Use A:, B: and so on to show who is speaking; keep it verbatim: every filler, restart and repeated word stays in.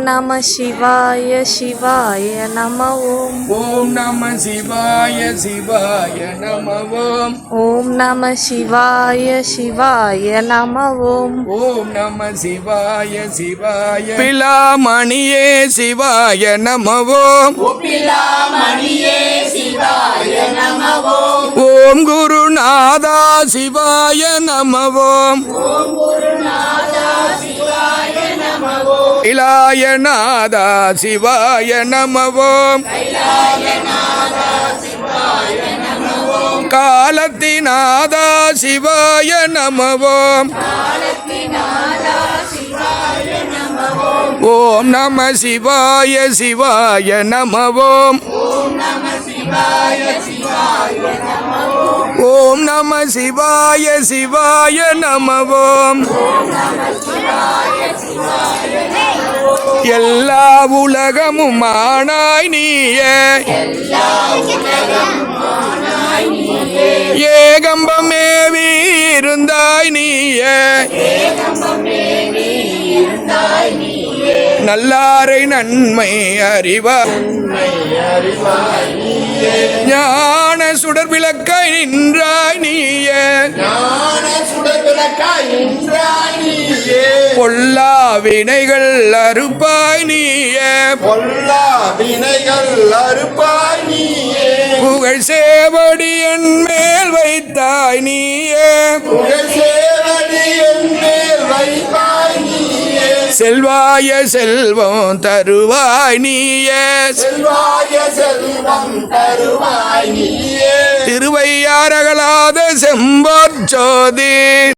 A: நம சிவாய சிவாய நம ஓம்.
B: ஓம் நம சிவாய சிவாய நம ஓம்.
A: ஓம் நம சிவாய சிவாய நம ஓம்.
B: ஓம் நம சிவாய சிவாய பிலாமணியே சிவாய நம ஓம்.
C: பிலாமணியே சிவாய நம ஓம்.
B: ஓம் குருநாதா சிவாய நம ஓம்.
C: ஓம் குருநாதா சிவாய நம ஓம்.
B: கைலாயநாதா சிவாய நம ஓம்.
C: கைலாயநாதா சிவாய நம ஓம்.
B: காலத்திநாதா சிவாய நம ஓம்.
C: காலத்திநாதா சிவாய நம ஓம்.
B: ஓம் நம சிவாய சிவாய நம ஓம்.
C: ஓம் நம சிவாய சிவாய நம ஓம்.
B: ஓம் நம சிவாய சிவாய நம ஓம்.
C: ஓம் நம சிவாய சிவாய நம ஓம்.
B: எல்லா உலகமும் ஆனாய் நீயே.
C: எல்லா உலகமும் ஆனாய் நீயே.
B: ஏகம்பமேவி இருந்தாய் நீயே.
C: ஏகம்பமேவி இருந்தாய் நீயே.
B: நல்லாரை நன்மை அறிவாய்.
C: நன்மை அறிவாய் நீயே.
B: ஞான சுடர் விளக்காய் நின்றாய் நீயே.
C: ஞான சுடர்விளக்காய் நின்றாய் நீயே.
B: பொல்லா வினைகள் அறுப்பாய் நீயே.
C: பொல்லா வினைகள் அறுப்பாய் நீயே.
B: புகழ் சேவடி என் மேல் வைத்தாய் நீயே.
C: புகழ் சேவடி என் மேல் வைப்பாய் நீயே.
B: செல்வாய செல்வம் தருவாய் நீயே.
C: செல்வாய செல்வம் தருவாய் நீயே.
B: திருவையாரகலாத செம்பொற் ஜோதி